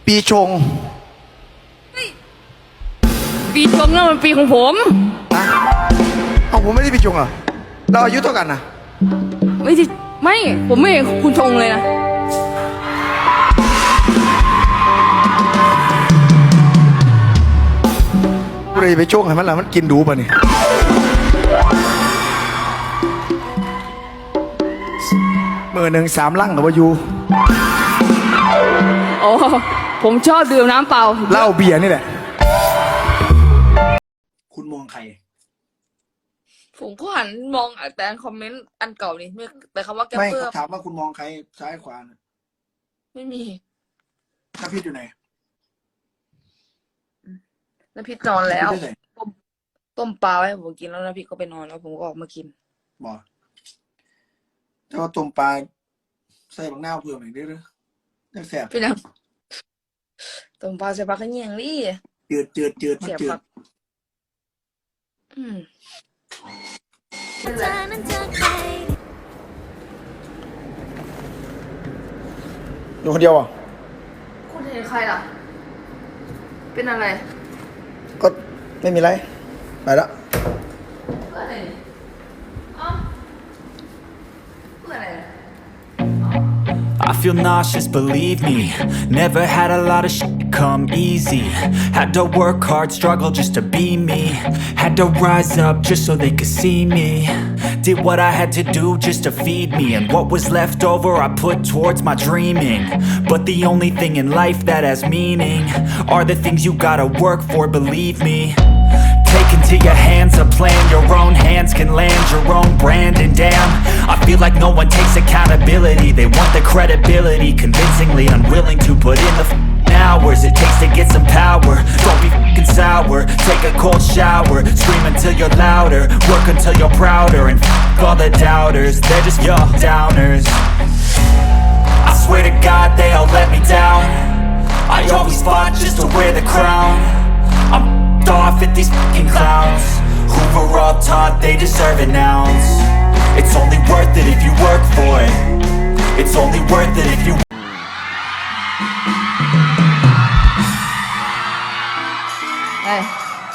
ปีชงปีชงนั่นมันปีของผมอะเอาผมไม่ได้ปีชงเหรอเราอายุเท่ากันนะไม่ใช่ไม่ผมไม่เห็นคุณชงเลยนะกูเลยไปช่วงให้มันละมันกินดูป่ะนี่มือหนึ่ง3 ลังกับวายูอ๋อผมชอบดื่มน้ำเปล่าเหล้าเบียร์นี่แหละ คุณมองใครผมก็หันมองแต่คอมเมนต์อันเก่านี่ไม่แต่คำว่าแกปไม่เปอร์ถามว่าคุณมองใครซ้ายขวานะไม่มีน้ำพิษอยู่ไหนน้ำพริกนอนแล้วน้ำพริกอยู่ไหนต้มปลาไว้ให้ผมกินแล้วน้ำพริกก็ไปนอนแล้วผมก็ออกมากินบอกถ้าว่าต้มปลาใส่บางหน้าวเพิ่มอีกได้หรือยังแสบพี่น้ำต้มปลาใส่ปลาขะเนียงนี่จืดมันเสียบจืผัดกอืมอยู่คนเดียวอ่ะคุณเห็นใครล่ะ เป็นอะไรก็ไม่มีไรไปละเพื่ออะไรเนี่ยอ๋อเพื่ออะไรเนี่ย I feel nauseous, believe me. Never had a lot of shit come easy. Had to work hard, struggle just to be me. Had to rise up just so they could see me. Did what I had to do just to feed me. And what was left over I put towards my dreaming. But the only thing in life that has meaning are the things you gotta work for, believe me. Take into your hands a plan. Your own hands can land your own brand. And damn, I feel like no one takes accountability. They want the credibility, convincingly unwilling to put in the hours it takes to get some power. Don't be f***ing sour. Take a cold shower. Scream until you're louder. Work until you're prouder. And f*** all the doubters, they're just your downers. I swear to God they all let me down. I always fought just to wear the crown. I'm off at these fucking clowns who were all taught they deserve an ounce. It's only worth it if you work for it. It's only worth it if you เอ้ย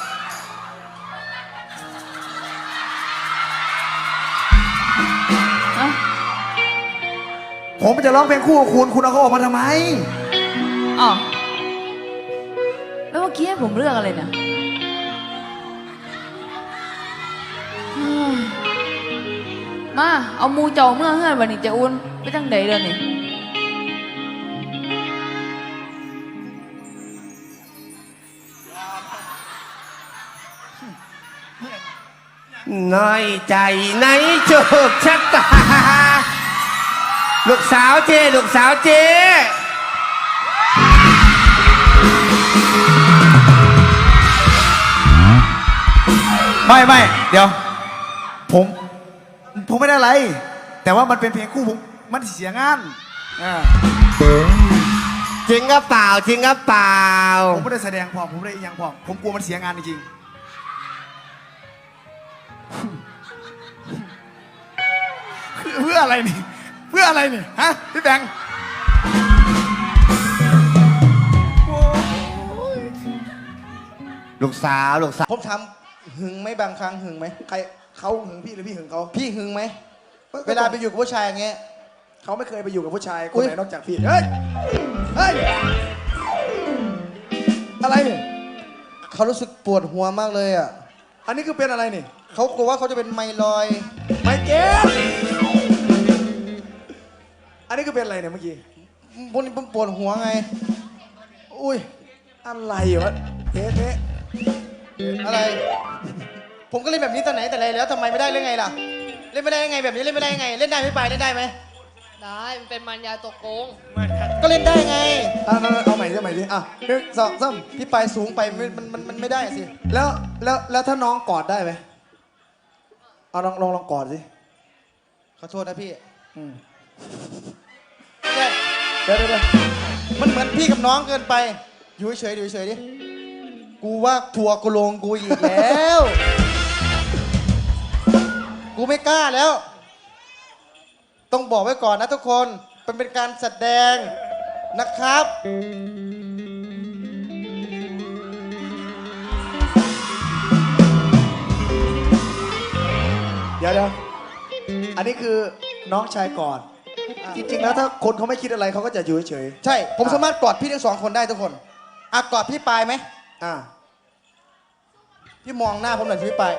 เอ้าผมจะร้องเพลงคู่กับคุณเอาเขาออกมาทำไมอ๋อแล้วเมื่อกี้ให้ผมเลือกอะไรเนี่ยอืมมาเอาหมูเจ้าเมื่อเฮือนวันนี้จะอุ่นไปจังใดเด้อนี่น้อยใจในโชคชะตา ลูกสาวเจ ลูกสาวเจไม่เดี๋ยว ผมไม่ได้อะไร แต่ว่ามันเป็นเพลงคู่ผมมันเสียงานจริงก็เปล่า จริงก็เปล่าผมไม่ได้แสดงพอผมไม่ได้อีกอย่างพอผมกลัวมันเสียงานจริงๆเพื่ออะไรนี่เพื่ออะไรนี่ฮะพี่แบงค์ลูกสาว ลูกสาวผมทำหึงไหมบางครั้งหึงไหมใครเขาหึงพี่หรือพี่หึงเขาพี่หึงไหมเวลาไปอยู่กับผู้ชายอย่างเงี้ยเขาไม่เคยไปอยู่กับผู้ชายคอุ๊นยไหนนอกจากพี่เฮ้ยเฮ้ยอะไรนี่เขารู้สึกปวดหัวมากเลยอ่ะอันนี้คือเป็นอะไรนี่เขากลัวว่าเขาจะเป็นไมลอยด์ไม่เก็ตอันนี้คือเป็นอะไรเนี่ยเมื่อกี้พวกนี้ผมปวดหัวไงอุ้ยอะไรวะเทะอะไร ผมก็เล่นแบบนี้ตอนไหนแต่ไรแล้วทำไมไม่ได้เล่นไงล่ะ เล่นไม่ได้ยังไงแบบนี้เล่นไม่ได้ยังไง เล่นได้ไม่ไปเล่นได้ไหมได้มันเป็นมันยาตกโกงก็เล่นได้ไงเอาใหม่ดิอ่ะหนึ่งสองสามพี่ไปสูงไปมันไม่ได้สิแล้วถ้าน้องกอดได้ไหมเอาลองกอดสิขอโทษนะพี่อืมเนี่ยเดี๋ยวมันเหมือนพี่กับน้องเกินไป อยู่เฉยๆอยู่เฉยๆดิ กูว่าทัวร์กูลงกูอีกแล้ว กูไม่กล้าแล้ว ต้องบอกไว้ก่อนนะทุกคน เป็นการแสดงนะครับเดี๋ยวอันนี้คือน้องชายกอดจริงๆแล้วถ้าคนเขาไม่คิดอะไรเขาก็จะอยู่เฉยๆใช่ ผมสามารถกอดพี่ทั้งสองคนได้ทุกคนอ่ะกอดพี่ปายไหมพี่มองหน้าผมหน่อยสิพี่ปาย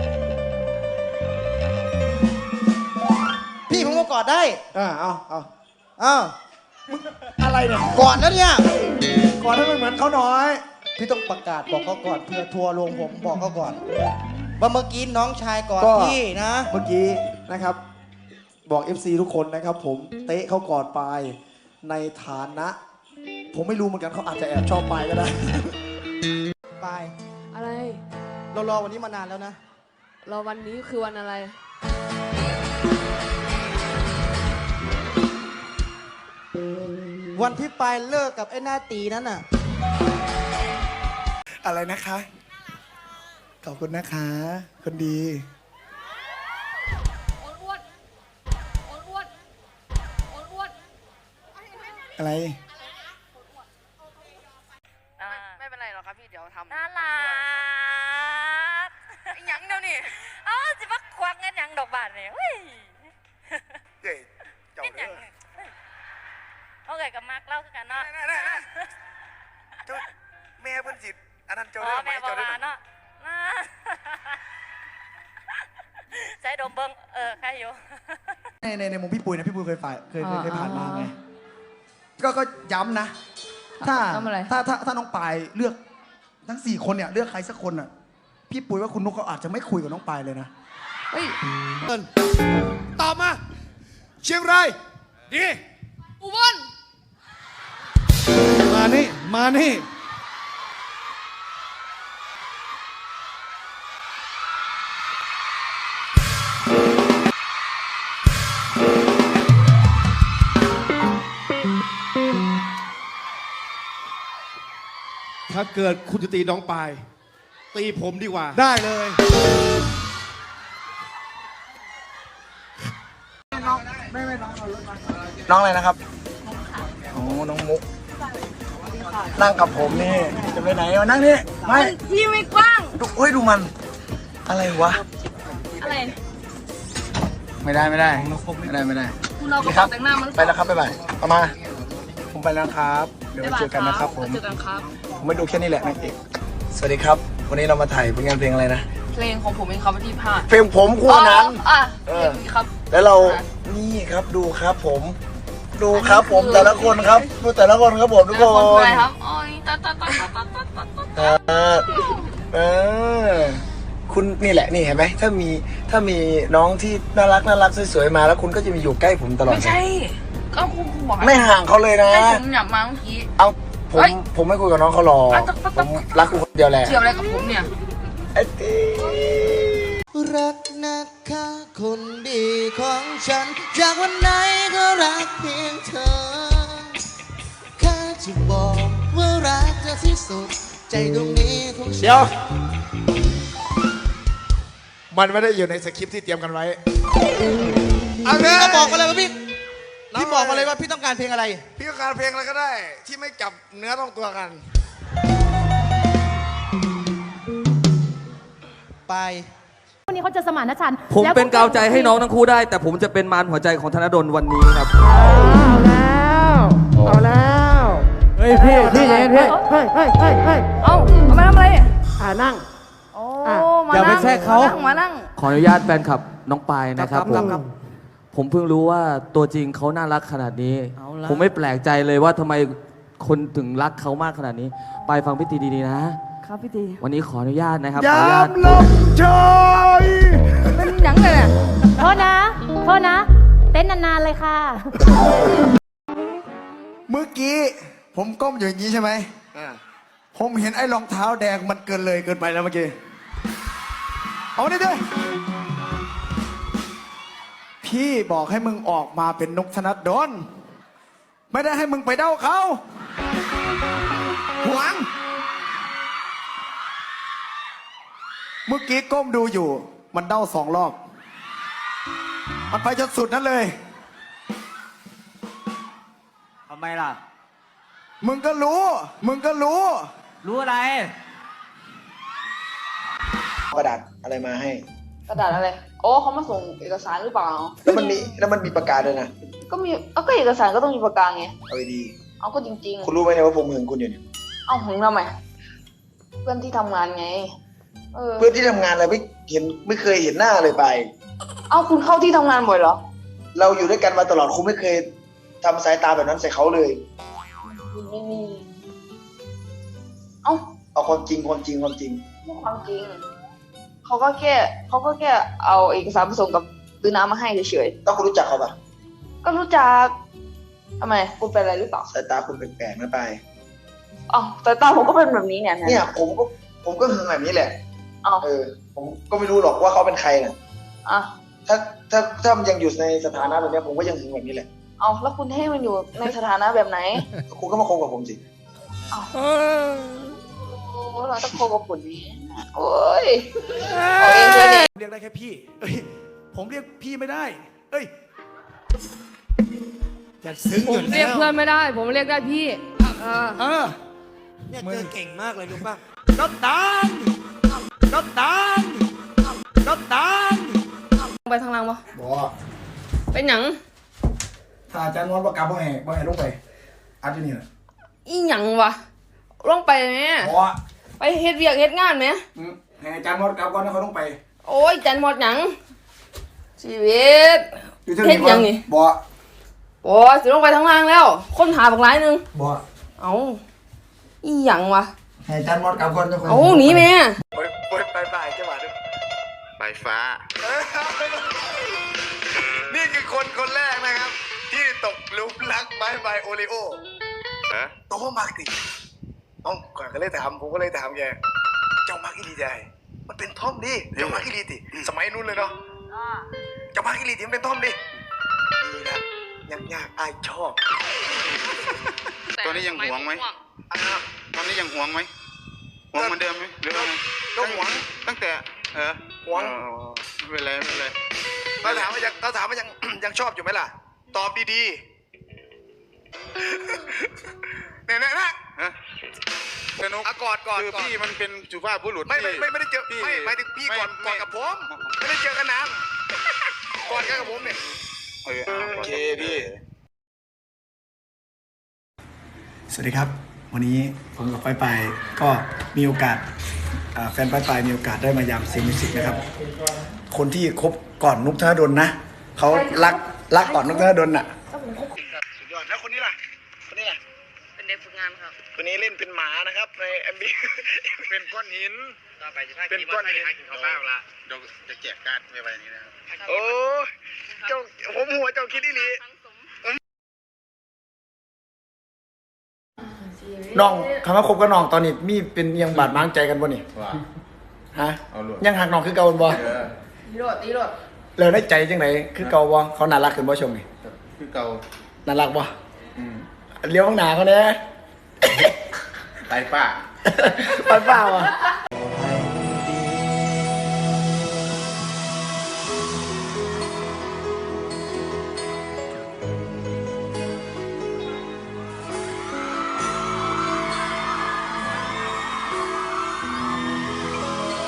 พี่ผมก็กอดได้เอาอะไรเนี่ยกอดแล้วเนี่ยกอดให้มันเหมือนเขาน้อยพี่ต้องประกาศบอกเขาก่อนเพื่อทัวร์ลงผมบอกเขาก่อนว่าเมื่อกี้น้องชายกอดพี่นะเมื่อกี้นะครับบอก FC ทุกคนนะครับผมเตะเขากอดปายในฐานะผมไม่รู้เหมือนกันเขาอาจจะแอบชอบปายก็ได้ปายอะไรเรารอวันนี้มานานแล้วนะเราวันนี้คือวันอะไรวันที่ปายเลิกกับไอ้หน้าตีนั้นน่ะอะไรนะคะขอบคุณนะคะคนดีอะไรไม่เป็นไรหรอกครับพี่เดี๋ยวทำน่ารักหยังเดี๋ยวนี้อ๋อสิมาควักเงินหยังดอกบาทเนี่ยเฮ้ยเฮ้ยเจ้าเงินหเด้ยังอเขาเกิดกับมักเล่าคือกันเนาะเจ้าแม่เพิ่นสิอันนั้นเจ้าอ๋อเด้อไหมแม่บอกเจ้าเด้อว่าเนาะน่าใช้ดมเบิ้งใครอยู่ในมุมพี่ปุ้ยนะพี่ปุ้ยเคยผ่านมาไงก็ย้ำนะ ถ้าทำอะไรถ้าน้องปายเลือกทั้ง4คนเนี่ยเลือกใครสักคนอ่ะพี่ปุ้ยว่าคุณนุ๊กก็อาจจะไม่คุยกับน้องปายเลยนะเฮ้ยตอบมา เชียงรายดีอุบลมานี่ถ้าเกิดคุณจะตีน้องปาย ตีผมดีกว่า ได้เลยน้องอะไรนะครับโอ้น้องมุก นั่งกับผมนี่ จะไปไหนมานั่งนี่ ไม่ที่ไม่กว้างดูมัน อะไรวะอะไรไม่ได้คุณเราก็ขอแต่งหน้ามันไปแล้วครับบ๊ายบายเอามา ผมไปแล้วครับ เดี๋ยวไว้เจอกันนะครับผมเจอกันครับผมไม่ดูแค่นี้แหละนางเอกสวัสดีครับ วันนี้เรามาถ่ายผลงานเพลงอะไรนะเพลงของผมเองครับวันที่ผ่านเพลงผมคู่นั้นเพลงนี้ครับแล้วเรา นี่ครับดูครับผม ดูครับผมแต่ละคนครับ ดูแต่ละคนครับผมทุกแล้วคคนคืออะไรนครับอ๋อยตาคุณนี่แหละนี่เห็นไหมถ้ามีน้องที่น่ารักสวยๆมาแล้วคุณก็จะมีอยู่ใกล้ผมตลอดไม่ใช่ก็คุณบอกไม่ห่างเขาเลยนะให้ผมหยับมาเมื่อกี้เอาผมเฮ้ยผมไม่คุยกับน้องเขาหรอกผมรักคุณคนเดียวแหละเกี่ยวอะไรกับผมเนี่ยไอ้ตีรักนะคะคนดีของฉัน จากวันไหนก็รักเพียงเธอแค่จะบอกว่ารักเธอที่สุดใจตรงนี้ของฉันเดี๋ยว มันไม่ได้อยู่ในสคริปต์ที่เตรียมกันไว้พี่ก็บอกมาเลยว่าพี่บอกมาเลยว่าพี่ต้องการเพลงอะไรพี่ต้องการเพลงอะไรก็ได้ ที่ไม่จับเนื้อต้องตัวกันไปวันนี้เขาจะสมานฉันท์ผมแล้วเป็นกาวใจให้น้องทั้งคู่ได้ แต่ผมจะเป็นมารหัวใจของธนดลวันนี้ครับเอาแล้วเฮ้ยพี่เย็นพี่เฮ้ยเอามาทำอะไรนั่งโอ้ มาอย่าไปนั่งแทรกเขามานั่งขออนุญาตแฟนคลับน้องปายนะครับครับครับผมเพิ่งรู้ว่าตัวจริงเขาน่ารักขนาดนี้เอาละผมไม่แปลกใจเลยว่าทำไมคนถึงรักเขามากขนาดนี้ปายฟังพี่ตีดีๆนะครับพี่ตีวันนี้ขออนุญาตนะครับยขออนุญาตามลมชอยเป็นหยังเลยเนี่ยโทษนะ เต้นนานๆเลยค่ะเมื่อกี้ผมก้มอยู่อย่างนี้ใช่ไหมผมเห็นไอ้รองเท้าแดงมันเกินไปแล้วเมื่อกี้ เอาดิด้วยพี่บอกให้มึงออกมาเป็นนกธนดลไม่ได้ให้มึงไปเด้าเขาหวง เมื่อกี้ก้มดูอยู่ มันเด้า2 รอบ มันไปจนสุดนั้นเลยทำไมล่ะมึงก็รู้รู้อะไรกระดาษอะไรมาให้กระดาษอะไรโอ้เขามาส่งเอกสารหรือเปล่าแล้วมันมีประกาศด้วยนะก็มีก็เอกสารก็ต้องมีปากกาไงเอาดีเอาก็จริงคุณรู้ไหมเนี่ยว่าผมหึงคุณอยู่เนี่ยๆ เอาหึงทำไมเพื่อนที่ทำงานไงเพื่อนที่ทำงานอะไรไม่เคยเห็นหน้าเลยไปเอาคุณเข้าที่ทำงานบ่อยเหรอเราอยู่ด้วยกันมาตลอดคุณไม่เคยทำสายตาแบบนั้นใส่เขาเลยไม่มีเอาเอาความจริงความจริงไม่ความจริงเขาก็แค่เอาเอกสารผสมกับตื้อน้ำมาให้เฉยต้องคุณรู้จักเขาปะๆก็รู้จักทำไมคุณเป็นอะไรหรือเปล่าสายตาคุณแปลกๆนะไปอ๋อแต่ตาผมก็เป็นแบบนี้เนี่ยเนี่ยผมก็หึงแบบนี้แหละอ๋อผมก็ไม่รู้หรอกว่าเขาเป็นใครน่ะอ่ะถ้ามันยังอยู่ในสถานะแบบนี้ผมก็ยังหึงแบบนี้แหละเอาแล้วคุณให้มันอยู่ในสถานะแบบไหนคุณก็มาคบกับผมสิโอ้เราต้องโคกับคุณนี้โอ้ยเอาเองเลยเนี่ยเรียกได้แค่พี่ เอ้ย ผมเรียกพี่ไม่ได้ เอ้ยจะซึ้งผอยู่มแล้วเรียกเพื่อนไม่ได้ ผมเรียกได้พี่เออเนี่ยเธอเก่งมากเลยรู้ป่ะรถดังรถดังรถดังไปทางล่างปะบอกเป็นหยังถ้าอาจารย์นอนประกาศบ่แห่ลงไปอาจจะนี่แหละอีหยังวะลงไปไหมบอกไปเฮ็ดเวียกเฮ็ดงานไหมให้อาจารย์นอนประกาศก่อนแล้วเขาลงไปโอ้ยจันหมดหยังชีวิตอยู่เท่าเฮ็ดนี้หยังนี่บอกโอ้ยสิลงไปทางล่างแล้ว คนหาบักหลายหนึงบอกเอาอีหยังวะให้อาจารย์นอนประกาศก่อนแล้วค่อยเอาหนีแม่ไปจังหวะนึงใบฟ้านี่คือคนแรกนะครับ ที่ตกหลุมรักใบโอริโอฮะโตมากติน้องก่อนก็เลยถามผมก็เลยถามแกเจ้ามักอีหลีใจมันเป็นท่อมดิเจ้ามักอีหลีติสมัยนู้นเลยเนาะเจ้ามักอีหลีติมันเป็นท่อมดินี่แหละยากอายชอบตอนนี้ยังหวงไหม ตอนนี้ยังหวงไหมหวงเหมือนเดิมไหมหรือว่าไงก็หวงตั้งแต่หวงไม่เป็นไรไม่เป็นไรเขาถามว่ายัง ยังชอบอยู่ไหมล่ะ ตอบดีๆเนี่ยนะฮะสนุกกอดคือพี่มันเป็นสุภาพบุรุษไม่ได้เจอพี่ไม่หมายถึงพี่ก่อนกับผมไม่ได้เจอกันนานก่อนกันกับผมเนี่ยโอเคพี่สวัสดีครับ วันนี้ผมกับไปก็มีโอกาสแฟนไปมีโอกาสได้มายามเสียงมิวสิกนะครับ คนที่คบก่อนนุกธนดลนะเขารักก่อนนุกธนดลน่ะสุดยอดแล้วคนนี้ล่ะเป็นเด็กฝึกงานครับคนนี้เล่นเป็นหมานะครับในMV เป็นก้อนหินเป็นก้อนหินเขาบ้าละเดี๋ยวจะแจกการ์ดไว้นี้นะครับโอ้เจ้าผมหัวเจ้าคิดอีหลีน้องคำว่าคบกับน้องตอนนี้มีเป็นยังบาดหมางใจกันบ่นี่ว่าฮะเอาลูกยังหักน้องคือเก่าบ่ตีรถแล้วได้ใจจังไหนคือเก่าบ่เขาน่ารักขึ้นบ่ชมนี่คือเก่าน่ารักบ่เลี้ยวข้างหน้าเขาเนี่ยไตป้าไปเปล่าอ่ะ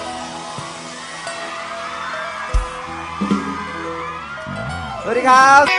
สวัสดีครับ